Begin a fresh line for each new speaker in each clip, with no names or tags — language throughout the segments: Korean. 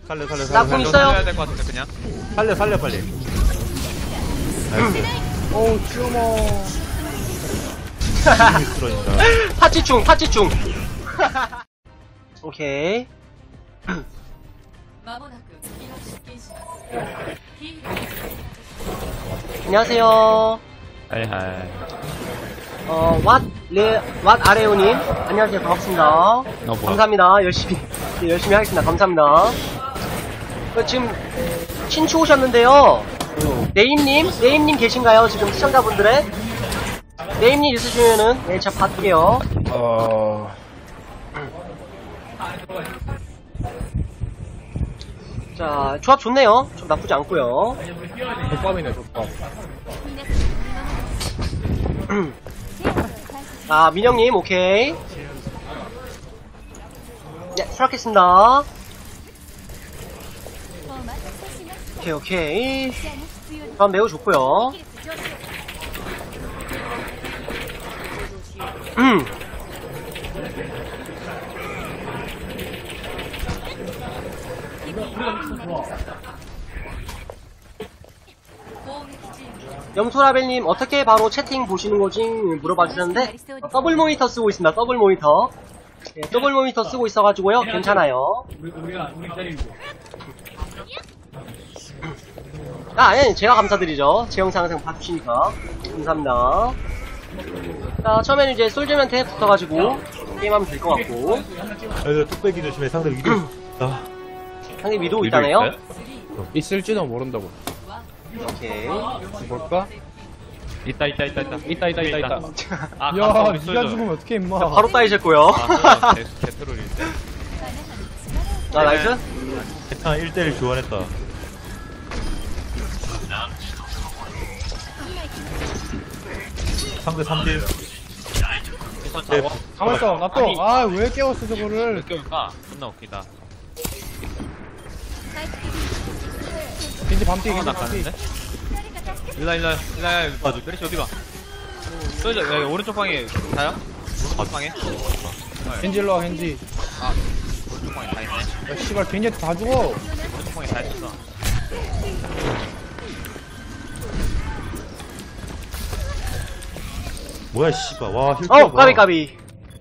살려
나 공 있어요.
살려야 될 것 같은데 그냥.
살려 빨리. 나이스.
어우 쭈머.
미스러진다.
파치충. 오케이. 안녕하세요.
하이하이.
왓 아레오님. 안녕하세요. 반갑습니다. 감사합니다. 열심히 하겠습니다. 감사합니다. 지금, 친추 오셨는데요. 네임님 계신가요? 지금 시청자분들의? 네임님 있으시면은, 네, 제가 받을게요. 자, 조합 좋네요. 좀 나쁘지 않고요.
족밥이네 족밥.
아, 민영님, 오케이. 네, 수락했습니다. 오케이. 조합 매우 좋고요. 염소라벨님 어떻게 바로 채팅 보시는 거지 물어봐 주셨는데 더블 모니터 쓰고 있습니다. 더블 모니터. 네, 더블 모니터 쓰고 있어가지고요. 괜찮아요. 아니 제가 감사드리죠. 제 영상 항상 봐주시니까 감사합니다. 자, 처음에는 이제 솔저한테 붙어가지고 게임하면 될 것 같고.
여기 뚝배기 조심해. 상대 위도.
상대 위도우 있다네요.
있을지도 모른다고.
오케이.
볼까?
있다. 아,
야,
감사합니다.
니가 죽으면 어떡해 임마.
바로 따이셨고요.
아, 개트롤인데.
아, 나이스.
대탄 1대1 교환했다. 상대 3딜.
가만있어 나 또. 아 왜 깨웠어
왜
저거를.
깨울까? 존나 웃기다.
겐지 밤띠 겐지 밤띠.
낚았는데? 일라. 맞아. 메리시 어디가? 쏘자. 여기 오른쪽 방에 다요? 오른쪽 방에?
겐지 일로와 겐지.
아, 오른쪽 방에 다 있네.
야 씨발 겐지한테 다 죽어.
오른쪽 방에 다 있었어.
뭐야 씨발. 와 힐.
까비.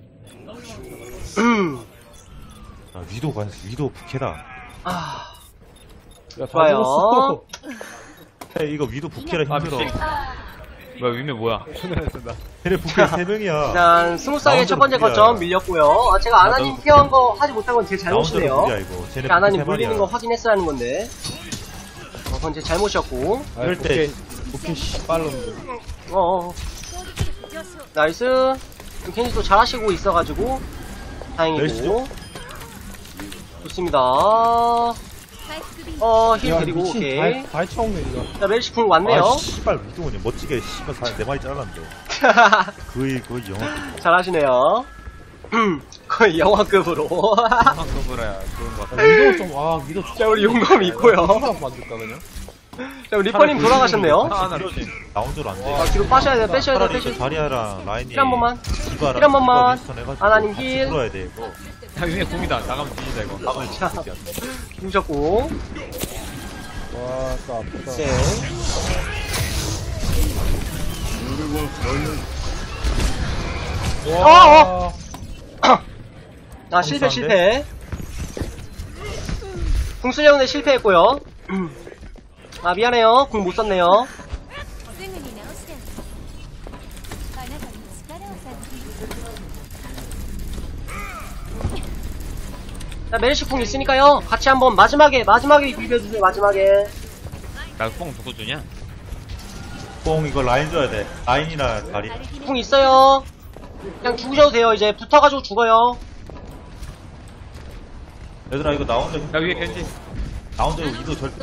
아, 위도 부캐다.
아,
야, 다
좋아요.
죽었어.
야, 이거 위도 부캐라 힘들어.
미친. 뭐야, 위메 뭐야?
걔네 부캐 3명이야.
일단 스무스하게 첫 번째 거점 밀렸고요. 아, 제가 아나님 케어한 거 하지 못한 건 제 잘못이네요.
라운드로 이거. 쟤네
제가 아나님
부캐
물리는 거 확인했어야 하는 건데. 그건 제 잘못이었고.
이럴 때
오케이 씨 빨랐는데.
나이스. 켄지도 잘하시고 있어가지고 다행이고.
멜시죠?
좋습니다. 힐 드리고 오케이.
다 해쳐먹네 이거.
자, 멜시 궁 왔네요.
아 씨발 위도우니 멋지게 씨발 내 마리 잘랐는데. 거의 영화.
잘하시네요. 거의 영화급으로.
한국으로야 좋은 것 같아.
위도 좀 위도
자, 우리 용검 있고요.
만들까 그냥.
자, 우리 리퍼님 돌아가셨네요.
라운드로 안 돼.
아, 뒤로 빼셔야 돼.
자리아랑 라인이
힐 한 번만.
디바랑
힐 한 번만.
디바 윈스턴 해가지고
아나님
같이
힐.
풀어야 돼 이거.
야, 위메 공이다. 나가면 뒤지다 이거.
자, 죽으셨고.
와 진짜 아프다.
네.
와.
아, 실패. 궁 쓰려는데 실패했고요. 아, 미안해요. 궁 못 썼네요. 자, 메르시 궁 있으니까요. 같이 한번 마지막에 비벼주세요. 마지막에.
나뽕 누구 주냐?
뽕 이거 라인 줘야 돼. 라인이나 다리.
궁 있어요. 그냥 죽으셔도 돼요. 이제 붙어가지고 죽어요.
얘들아 이거 나 혼자
야, 위에 겐지.
나 혼자 위도 절대.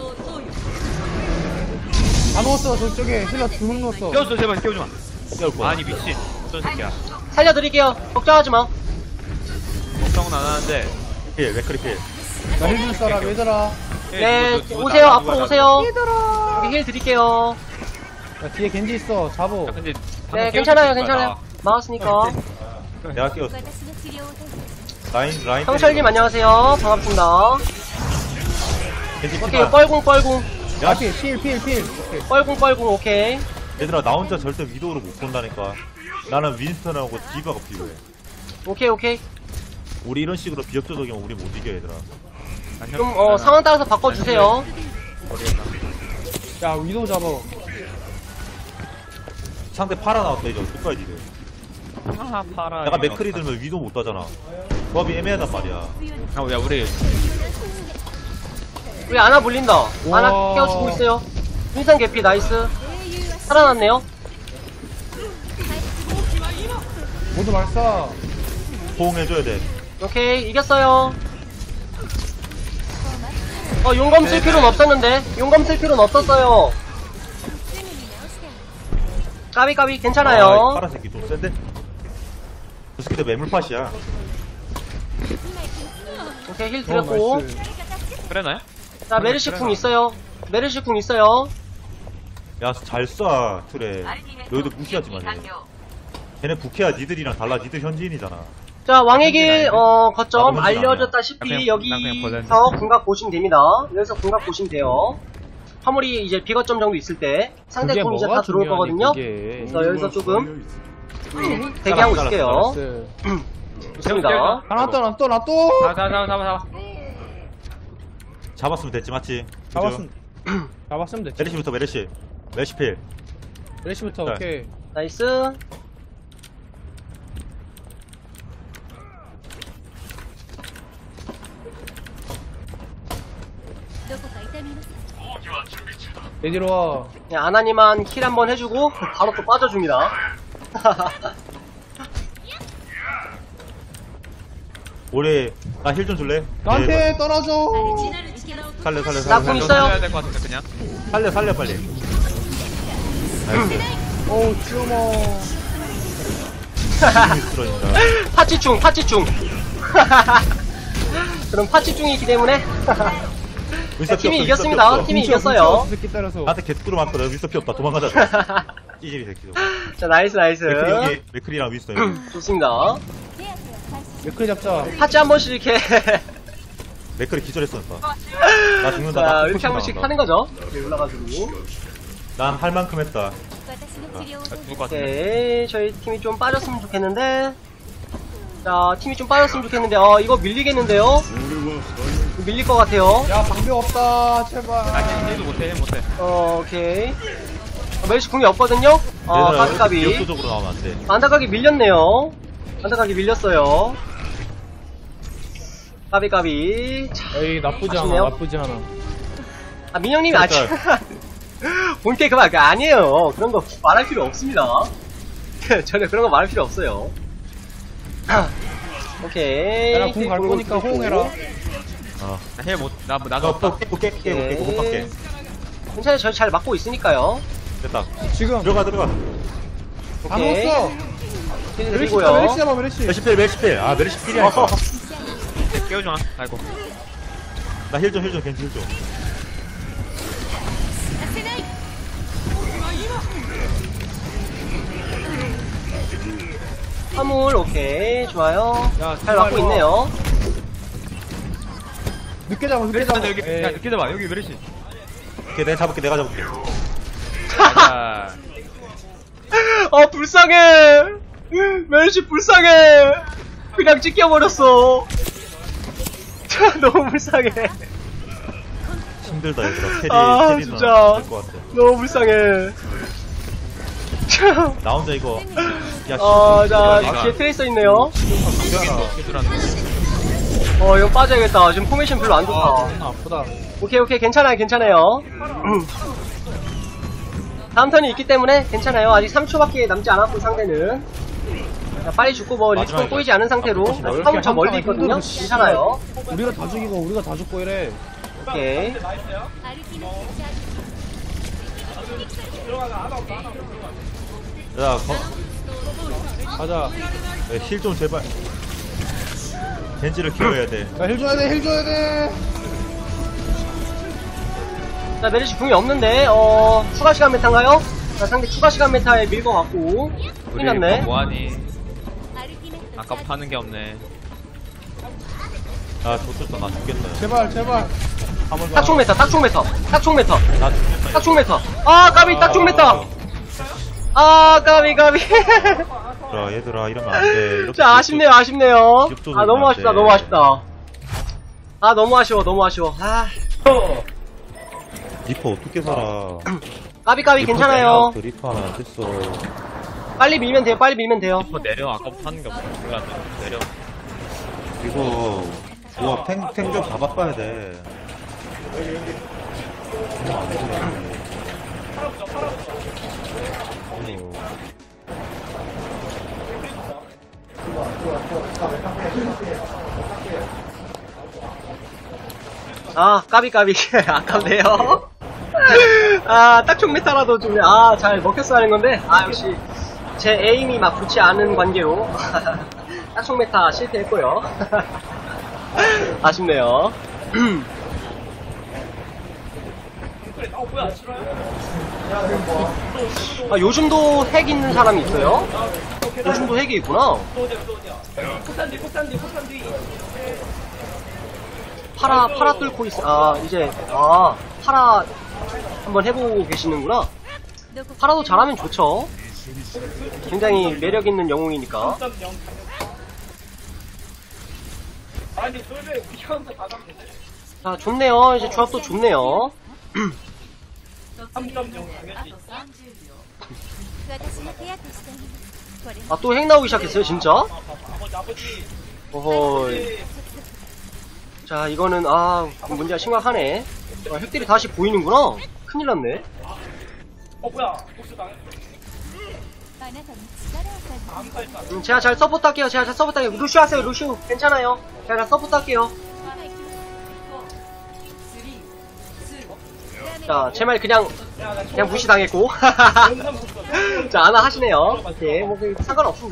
다 넣었어 저쪽에 힐러 2명 넣었어.
깨워줘, 제발 깨워줘 마.
깨울 거야.
아니, 미친. 어떤 새끼야.
살려드릴게요. 걱정하지 마.
걱정은 안 하는데.
힐 맥크리 힐.
나힐 줄 사람 얘들아.
네, 오세요. 앞으로 오세요. 여기 힐 드릴게요.
야 뒤에 겐지 있어 잡어.
야, 근데.
네, 괜찮아요. 막았으니까.
내가 깨웠어. 라인.
형철님 안녕하세요. 반갑습니다.
겐지
오케이,
키봐.
뻘궁.
야,
필. 오케이.
뻘궁, 오케이.
얘들아 나 혼자 절대 위도우를 못 본다니까. 나는 윈스턴하고 디바가 필요해.
오케이.
우리 이런 식으로 비협조적이면 우리 못 이겨 얘들아.
좀, 상황 따라서 바꿔주세요.
야, 위도우 잡아.
상대 파라 나왔다 이제 어떡하지 이제.
아, 파라.
내가 맥크리 들면 위도 못 따잖아. 조합이 애매하단 말이야.
야, 우리.
우리 아나 물린다. 아나
우와.
깨워주고 있어요. 윈선 개피, 나이스. 살아났네요.
모두 말싸.
호응해줘야 돼.
오케이, 이겼어요. 용검 쓸 필요는 없었는데. 용검 쓸 필요는 없었어요. 까비, 괜찮아요.
아, 파라 새끼 좀 센데? 저 새끼들 매물팟이야.
오케이, 힐 드렸고.
나이스.
그래, 나요?
자, 메르시 궁 있어요.
야, 잘 쏴, 트레. 너희들 무시하지 마. 걔네 부캐야, 니들이랑 달라. 니들 현지인이잖아.
자, 왕의 길, 거점
나도
알려졌다시피
난 그냥
여기서 궁각 보시면 됩니다. 여기서 궁각 보시면 돼요. 화물이 이제 비거점 정도 있을 때 상대
그게
궁 이제
뭐가
다 들어올
중요하니,
거거든요.
그게.
그래서 여기서 조금 대기하고 있을게요.
나이스.
좋습니다.
하나 또.
잡아.
잡았으면 됐지, 맞지?
잡았으면 됐지.
메르시부터 메르시필.
레시부터,
네.
오케이.
나이스.
얘 와.
그냥 아나니만 킬 한번 해주고 바로 또 빠져줍니다.
올해, 나 힐 좀 줄래?
나한테 떨어져.
살려.
나 궁 있어요.
해야 될 것 같은데, 그냥.
살려, 빨리. 나이스.
어우, 쭈머.
힘이 쓰러진다.
파치충. 그럼 파치충이 있기 때문에 팀이 이겼습니다. 팀이 이겼어요.
새끼 때려서.
나한테 개뚜꾸로 맞거든. 윈스터 피 없다. 도망가자. 찌질이 새끼도.
자, 나이스.
맥크리 여기, 맥크리랑 윈스터 여기.
좋습니다.
맥클 잡자.
파치 한 번씩 이렇게
맥크리 기절했으니까. 나 죽는다.
자,
나
이렇게 한 번씩 하는 거죠. 이렇게 올라가지고.
난 할 만큼 했다.
죽을 것 같은데.
오케이, 저희 팀이 좀 빠졌으면 좋겠는데. 자, 팀이 좀 빠졌으면 좋겠는데, 이거 밀리겠는데요? 밀릴 것 같아요.
야, 방벽 없다. 제발.
힐도 못해.
오케이. 멜시 궁이 없거든요? 까비.
비협조적으로 나오면 안 돼.
안타깝게 밀렸네요. 안타깝게 밀렸어요. 까비. 자,
에이, 나쁘지
아쉽네요.
않아.
민영님이 아직 본캐 그만 아니에요. 그런 거 말할 필요 없습니다. 전혀 그런 거 말할 필요 없어요. 오케이.
야, 나궁 갈 거니까 호응해라.
힐 못, 나도
어,
없다.
깨. 못 밖에.
괜찮아요. 저희 잘 막고 있으니까요.
됐다.
지금.
들어가.
안
오케이.
넣었어.
힐
메르시
드리고요.
잡아, 메르시.
메르시필. 아, 메르시필이야.
깨워줘. 아이고.
나 힐 좀, 겐지 힐 좀.
화물 오케이 좋아요.
야,
잘 막고
제발
있네요.
늦게 잡아.
여기,
에이.
야, 늦게 잡아. 여기 메르시.
오케이, 내가 잡을게.
자,
불쌍해. 멜시 불쌍해. 그냥 찢겨버렸어. 너무 불쌍해.
힘들다, 얘들아. 캐리는
진짜.
될것 같아.
너무 불쌍해.
나 혼자 이거. 야,
자,
이거.
뒤에 트레이서 있네요.
기술하는 거.
이거 빠져야겠다. 지금 포메이션 별로 안 좋다.
아프다.
오케이, 괜찮아요. 다음 턴이 있기 때문에 괜찮아요. 아직 3초밖에 남지 않았고, 상대는. 자, 빨리 죽고 리스폰
마지막에
꼬이지 않은 상태로.
넓게
화물 저 멀리 있거든요. 괜찮아요.
우리가 다 죽이고, 우리가 다 죽고 이래.
오케이.
야,
가자.
힐 좀 제발. 겐지를 키워야 돼.
야, 힐 줘야 돼.
자, 메르시 궁이 없는데, 추가 시간 메타인가요? 자, 상대 추가 시간 메타에 밀 것 같고.
우리
끝났네.
뭐하니? 아까부터 하는 게 없네.
아, 좋겠다. 나 죽겠다.
제발.
딱총 메타, 딱총 메타, 딱총 메타,
나
딱총 메타. 아, 까비, 딱총 메타. 아, 까비.
얘들아 이러면 안 돼. 이렇게
자, 아쉽네요.
기억도
아, 너무
안
아쉽다,
돼.
너무 아쉽다. 아, 너무 아쉬워. 아,
리퍼 어떻게 살아?
까비, 괜찮아요.
리퍼 하면 안 됐어.
빨리 밀면 돼요.
뭐 내려 아까부터 하는 게 없어. 몰라. 내려.
이거 조합 탱 좀 봐봐야 돼.
아, 까비. 아깝네요. 아, 딱총 메타라도 좀, 잘 먹혔어 하는 건데, 역시, 제 에임이 막 좋지 않은 관계로, 딱총 메타 실패했고요. 아쉽네요. 요즘도 핵 있는 사람이 있어요? 요즘도 핵이 있구나. 파라 뚫고 있어. 이제, 파라 한번 해보고 계시는구나. 파라도 잘하면 좋죠. 굉장히 매력있는 영웅이니까. 자, 좋네요. 이제 조합도 좋네요. 또 핵 나오기 시작했어요, 진짜? 어허이. 자, 이거는, 문제가 심각하네. 핵들이 다시 보이는구나. 큰일 났네. 제가 잘 서포트 할게요. 루시오 하세요, 루시오. 괜찮아요. 제가 잘 서포트 할게요. 자, 제 말 그냥 무시당했고. 자, 아나 하시네요. 오케이, 상관없습니다.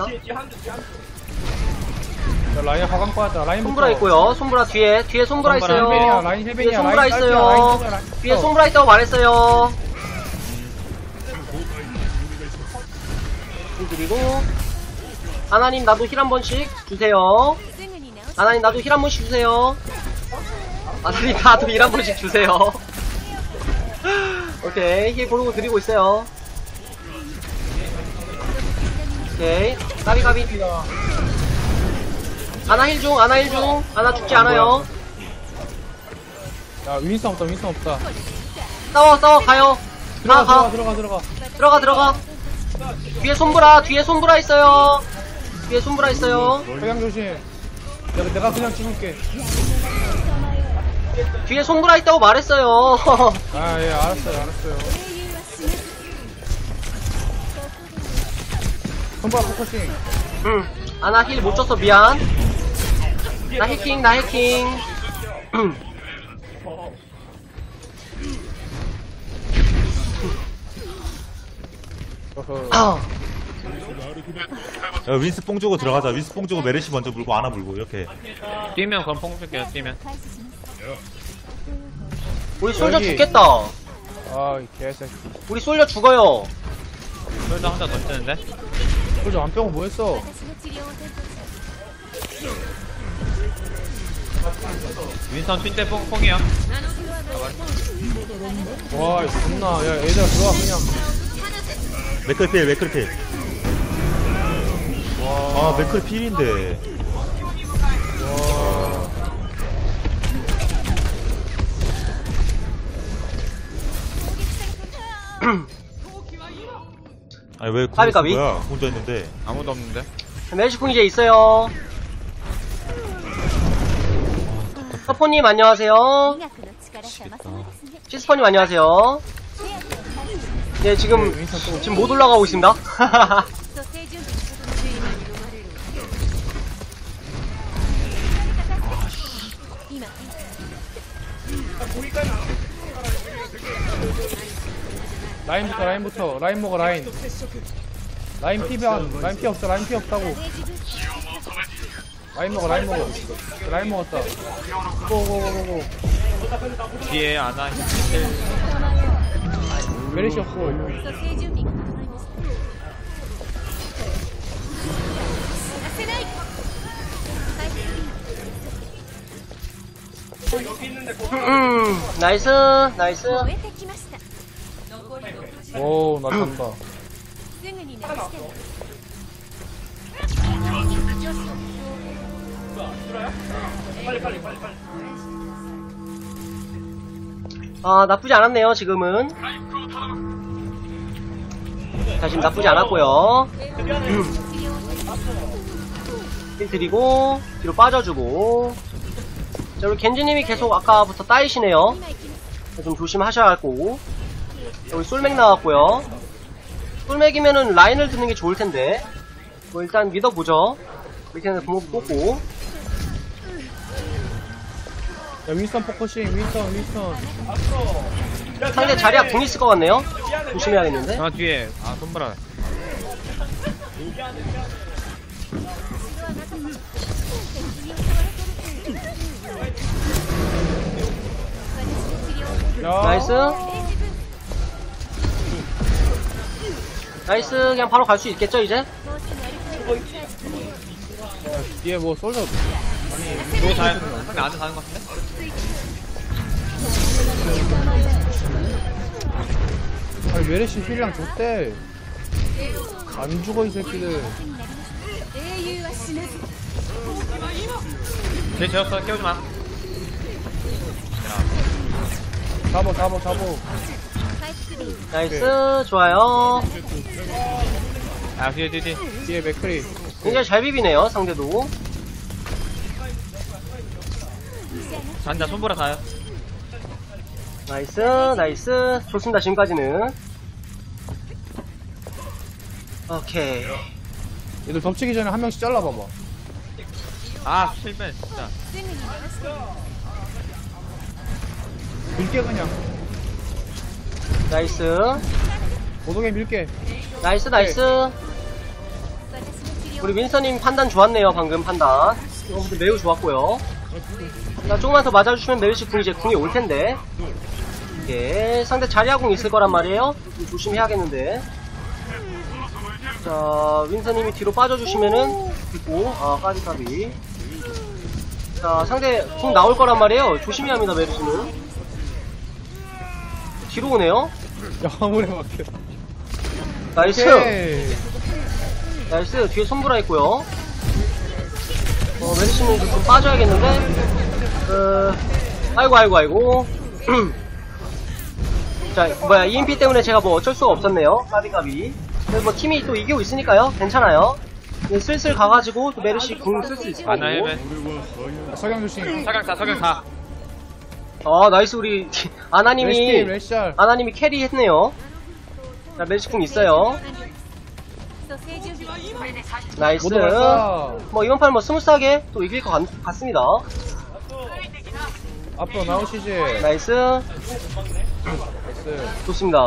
자, 라인 화강 빠졌다. 라인
손브라 있고요. 손브라 뒤에 손브라 있어요.
라인
뒤에
헬벤이야.
손브라
라인
있어요.
딸피야, 라인
뒤에 손브라 있다고 말했어요. 그리고 아나님 나도 힐 한 번씩 주세요. 아나님 나도 힐 한 번씩 주세요. 아나님 나도 힐 한 번씩 주세요. 오케이, 힐 고르고 드리고 있어요. 오케이, 까비. 아나 힐 중. 아나 죽지 않아요.
야, 윈스턴 없다.
싸워, 가요. 가.
들어가.
뒤에 손브라 있어요.
회강 조심. 내가 그냥 찍을게.
뒤에 손브라 있다고 말했어요.
예, 알았어요. 손발 포커싱.
아나 힐 못 줬어, 미안. 나 해킹.
어허.
야, 윈스 뽕 주고 들어가자. 윈스 뽕 주고 메르시 먼저 물고 아나 물고 이렇게.
뛰면 그럼 뽕 줄게요. 뛰면.
우리 솔저
여기.
죽겠다.
이 개새끼.
우리 솔저 죽어요.
솔저 혼자 더 뜨는데?
그저 안 빼고 뭐 했어?
윈선 핀때 뽕이야.
와, 이거 존나. 야, 얘들아, 들어와, 그냥.
맥클필. 맥클 필인데. 아니 왜
까비.
거야? 혼자 있는데.
아무도 없는데?
멜시풍 이제 있어요. 서포님 안녕하세요. 시스퍼님 안녕하세요. 네, 지금 못 올라가고 있습니다.
라인부터. 라인 먹어, 라인. 라인 피 없어, 라인 피 없다고. 라인 먹어. 라인 먹었다. 고고고고고.
뒤에 아나 힐.
메리시 없고.
나이스, 나이스.
終えてきました
오, 나 간다.
すぐに直してね
아, 나쁘지 않았네요, 지금은. 자, 지금 나쁘지 않았고요. 힐 드리고, 뒤로 빠져주고. 자, 우리 겐지님이 계속 아까부터 따이시네요. 좀 조심하셔야 할 거고. 여기 솔맥 나왔고요. 솔맥이면은 라인을 드는 게 좋을 텐데. 뭐 일단 믿어보죠. 이렇게는 공업 뽑고.
야, 윈스턴 포커싱, 윈스턴.
상대 자리야 궁 있을 것 같네요. 조심해야겠는데.
아 뒤에 손보라.
야,
나이스. 나이스. 그냥 바로 갈 수 있겠죠, 이제?
뒤에 뭐 솔져.
너 잘. 상대 안에 가는 것 같은데?
아니, 메르시 힐량 줬대. 안 죽어, 이 새끼들.
英雄は死なず
걔 재웠어. 깨우지 마.
잡어.
回復で
나이스. 좋아요.
아 뒤에.
뒤에 맥크리.
굉장히 잘 비비네요, 상대도.
잔자 손보라 가요.
나이스. 나이스. 좋습니다, 지금까지는. 오케이.
얘들 덮치기 전에 한 명씩 잘라봐봐.
아 실패 진짜.
すぐに直して
밀게 그냥.
나이스.
고독에 밀게.
나이스, 나이스.
私の治療
우리 윈서님 판단 좋았네요, 방금 판단. 이거 근데 매우 좋았고요. 자, 조금만 더 맞아주시면 메르시 궁이 이제 궁이 올 텐데. 예, 상대 자리아궁 있을 거란 말이에요. 좀 조심해야겠는데. 자, 윈서님이 뒤로 빠져주시면은, 그리고, 까비까비. 자, 상대 궁 나올 거란 말이에요. 조심해야 합니다, 메르시는. 뒤로 오네요.
야, 아무리 막혀.
나이스.
오케이.
나이스. 뒤에 손브라 있고요. 메르시는 좀 빠져야겠는데. 아이고. 자, 뭐야, EMP 때문에 제가 뭐 어쩔 수가 없었네요. 까비까비. 근데 뭐 팀이 또 이기고 있으니까요. 괜찮아요. 이제 슬슬 가가지고 또 메르시 궁 쓸 수 있을 거고.
아나 헬멧.
석양 조심.
석양 다.
나이스. 우리 아나님이
레시알.
아나님이 캐리 했네요. 자, 메르시 궁 있어요.
蘇生準備
나이스.
모두 갔어.
뭐 이번 판 뭐 스무스하게 또 이길 것 같습니다.
앞으로 나오시지.
나이스.
나이스.
좋습니다.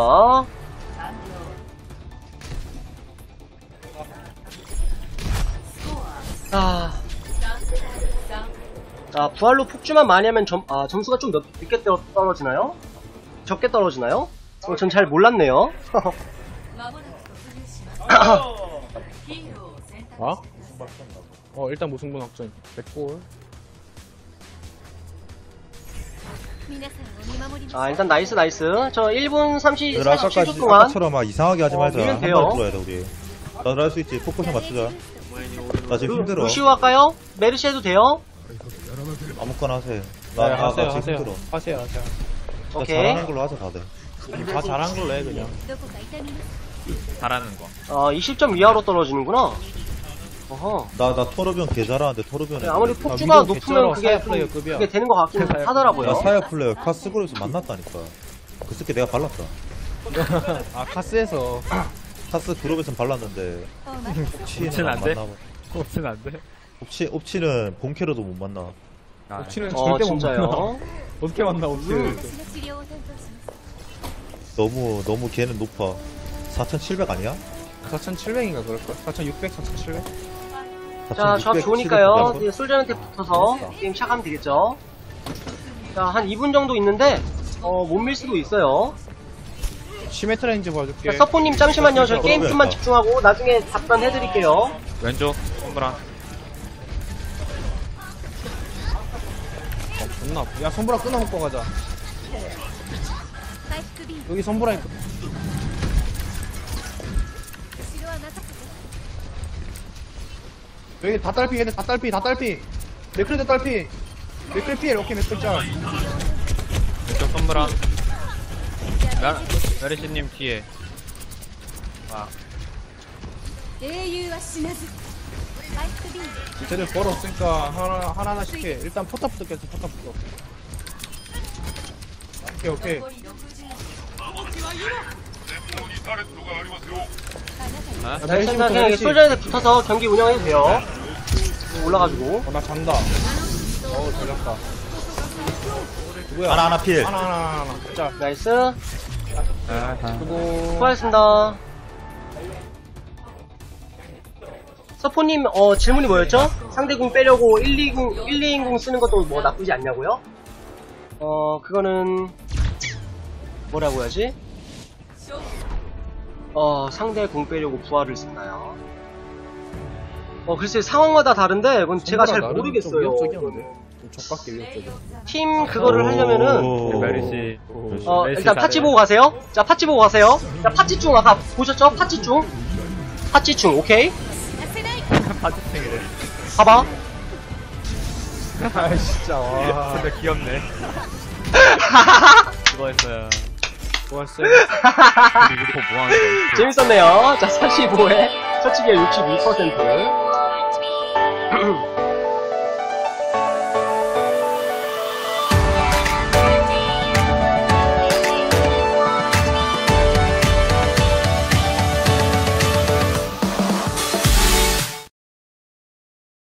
부활로 폭주만 많이 하면 점수가 좀 늦게 떨어지나요? 적게 떨어지나요? 전 잘 몰랐네요.
아? 일단 무승부 확정. 100골.
皆さんを見守ります
일단 나이스. 저 1분 37초
아까까지
동안
아까처럼 막 이상하게 하지 말자.
밀면
한
돼요.
번 들어야 돼 우리. 나도 할 수 있지. 포커션 맞추자. 나 지금 힘들어.
루시우 할까요? 메르시 해도 돼요?
아무거나 하세요.
네,
나 지금 힘들어.
하세요.
나
오케이.
잘하는 걸로 하자 다들.
다 잘한 걸로 해, 그냥.
どこか痛みます
잘하는 거.
20점 이하로 떨어지는구나. 어허.
나 토르비온 개 잘하는데 토르비온에.
아무리
위도
폭주가 높으면
개쩔어.
그게
사이어 플레이어급이야.
그게 되는 것 같긴 하더라고요.
나 사이어 플레이어 카스그룹에서 만났다니까. 그 새끼 내가 발랐다.
카스에서.
카스 그룹에서 발랐는데
お待ち
옵치는
옵치는
안
안 돼?
만나고.
없으면 안 돼.
옵치는 본캐로도 못 만나.
옵치는 절대 못 만나.
진짜요?
어떻게 만나, 옵치를.
私の治療を担当します
너무 걔는 높아. 4,700 아니야?
4,700인가 그럴걸? 4,600, 4,700?
자, 조합
4,600,
좋으니까요.
700
솔저한테 붙어서 게임 시작하면 되겠죠. 자, 한 2분 정도 있는데, 못 밀 수도 있어요.
시메트 레인지 봐줄게.
자, 서포님 잠시만요. 저 게임 좀만 집중하고 나중에 답변 해드릴게요.
왼쪽 손보라.
존나 존나 아파. 야 손보라 끊어먹고 가자.
回復ビーム
여기 손보라 있고.
後ろはなさくて
여기 다 딸피 얘네 다 딸피 다 딸피. 맥크리도 딸피. 맥크리 피해. 오케이 맥크리 짤.
왼쪽 선물아. 메르시님 뒤에. 아,
英雄は死なず回復ビーム
쟤들 벌 없으니까 하나씩 해. 일단 포탑부터 깼어 포탑부터. 오케이 오케이.
아?
자, 일단 그냥 여기 솔저에서 붙어서 경기 운영해도 돼요. 올라가지고.
나 잔다. 어우 잘 잡다. 누구야?
하나 필.
하나. 자
나이스.
수고.
수고하셨습니다. 서포님, 질문이 뭐였죠? 상대궁 빼려고 120 쓰는 것도 뭐 나쁘지 않냐고요? 그거는, 뭐라고 해야지? 상대궁 빼려고 부활을 썼나요? 글쎄 상황마다 다른데, 이건 제가 잘
나름
모르겠어요.
좀 위협적이었는데. 좀 적각게 위협적이야.
팀 그거를 하려면은,
오.
메르시.
일단 파치 보고 가세요. 자, 파치 보고 가세요. 자, 파치충 아까 보셨죠? 파치충. 파치충, 오케이?
させない
파티팅이래.
봐봐.
아 진짜 와.
근데 귀엽네. 수고했어요.
좋았어요.
우리 유포 뭐하는 거야?
재밌었네요. 자, 45에 처치기가 62%.